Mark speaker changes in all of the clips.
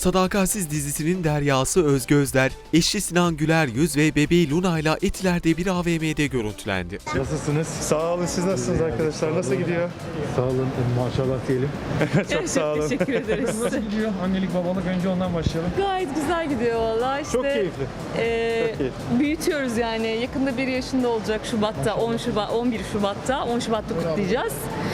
Speaker 1: Sadakatsiz dizisinin deryası Özge Özder, eşi Sinan Güler Yüz ve bebeği Luna ile Etiler'de bir AVM'de görüntülendi.
Speaker 2: Nasılsınız?
Speaker 3: Sağ olun, siz nasılsınız arkadaşlar? Nasıl gidiyor?
Speaker 2: Sağ olun, maşallah diyelim.
Speaker 3: Çok sağ olun.
Speaker 4: Teşekkür ederiz.
Speaker 5: Nasıl gidiyor? Annelik babalık önce ondan başlayalım.
Speaker 4: Gayet güzel gidiyor valla. İşte,
Speaker 3: Çok keyifli.
Speaker 4: Çok
Speaker 3: keyifli.
Speaker 4: Büyütüyoruz yani. Yakında 1 yaşında olacak Şubat'ta, 11 Şubat'ta. 10 Şubat'ta kutlayacağız.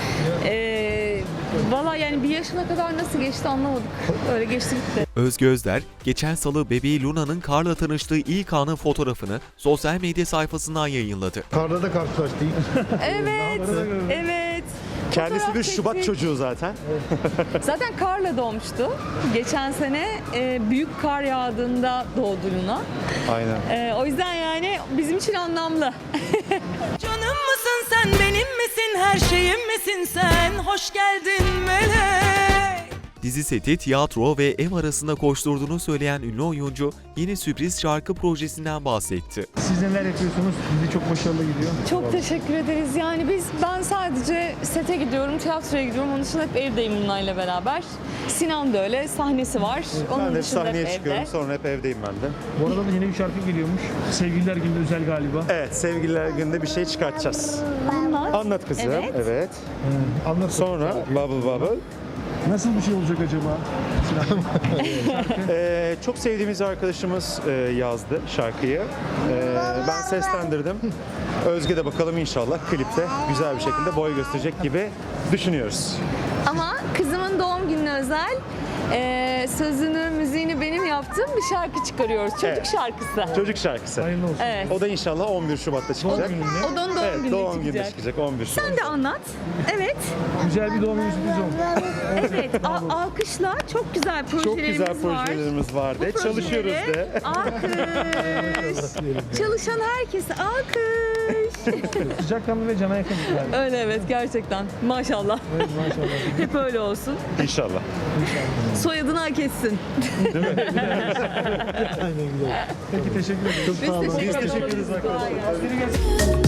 Speaker 4: Valla yani 1 yaşına kadar nasıl geçti anlamadık. Öyle geçti gitti.
Speaker 1: Özge Özder, geçen salı bebeği Luna'nın Kar'la tanıştığı ilk anın fotoğrafını sosyal medya sayfasından yayınladı.
Speaker 2: Karda da karşılaştık.
Speaker 4: Evet, evet.
Speaker 3: Kendisi
Speaker 4: Fotoğraf
Speaker 3: bir Şubat
Speaker 4: çektik.
Speaker 3: çocuğu zaten.
Speaker 4: Zaten karla doğmuştu. Geçen sene büyük kar yağdığında doğdu Luna.
Speaker 3: Aynen.
Speaker 4: O yüzden yani bizim için anlamlı.
Speaker 6: Canım mısın sen, benim misin, her şeyim misin sen? Hoş geldin melek.
Speaker 1: Dizi seti, tiyatro ve ev arasında koşturduğunu söyleyen ünlü oyuncu, yeni sürpriz şarkı projesinden bahsetti.
Speaker 5: Siz neler yapıyorsunuz? Dizi çok başarılı gidiyor.
Speaker 4: Çok teşekkür ederiz. Yani ben sadece sete gidiyorum, tiyatroya gidiyorum. Onun dışında hep evdeyim Luna ile beraber. Sinan da öyle, sahnesi var. Onun
Speaker 3: Ben de
Speaker 4: dışında
Speaker 3: sahneye
Speaker 4: hep
Speaker 3: çıkıyorum,
Speaker 4: evde.
Speaker 3: sonra hep evdeyim ben de.
Speaker 5: Bu arada da yeni bir şarkı geliyormuş. Sevgililer Günü'nde özel galiba.
Speaker 3: Evet, sevgililer günde bir şey çıkartacağız.
Speaker 4: Anlat.
Speaker 3: Anlat kızım.
Speaker 4: Evet.
Speaker 3: Evet.
Speaker 5: Anlat.
Speaker 3: Sonra Bubble Bubble.
Speaker 5: Nasıl bir şey olacak acaba?
Speaker 3: Çok sevdiğimiz arkadaşımız yazdı şarkıyı. Ben seslendirdim. Özge de bakalım inşallah klipte güzel bir şekilde boy gösterecek gibi düşünüyoruz.
Speaker 4: Ama kızımın doğum gününe özel sözünü, müziğini benim yaptığım bir şarkı çıkarıyoruz. Çocuk
Speaker 3: Evet.
Speaker 4: şarkısı.
Speaker 3: Çocuk şarkısı.
Speaker 5: Hayırlı olsun.
Speaker 4: Evet.
Speaker 3: O da inşallah 11 Şubat'ta
Speaker 4: O
Speaker 3: çıkacak.
Speaker 4: da onun doğum
Speaker 3: Evet,
Speaker 4: gününe
Speaker 3: doğum gününde
Speaker 4: çıkacak.
Speaker 3: çıkacak 11 Şubat.
Speaker 4: Sen de anlat. Evet.
Speaker 5: Güzel bir doğum günü sürpriz oldu.
Speaker 4: Evet. Alkışla. Çok güzel
Speaker 3: Çok
Speaker 4: projelerimiz
Speaker 3: güzel
Speaker 4: var.
Speaker 3: projelerimiz var de.
Speaker 4: Bu
Speaker 3: Çalışıyoruz
Speaker 4: projelere
Speaker 3: de.
Speaker 4: Alkış. Çalışan herkese alkış.
Speaker 5: Sıcakkanlı ve cana yakın. Yani.
Speaker 4: Öyle evet gerçekten. Maşallah.
Speaker 5: Evet, maşallah.
Speaker 4: Hep öyle olsun.
Speaker 3: İnşallah.
Speaker 4: Soyadını hak etsin.
Speaker 5: Peki teşekkür ederim.
Speaker 4: Biz teşekkür ederiz.
Speaker 3: Biz teşekkür ederiz
Speaker 4: Kolay gelsin.
Speaker 5: Biri gelsin.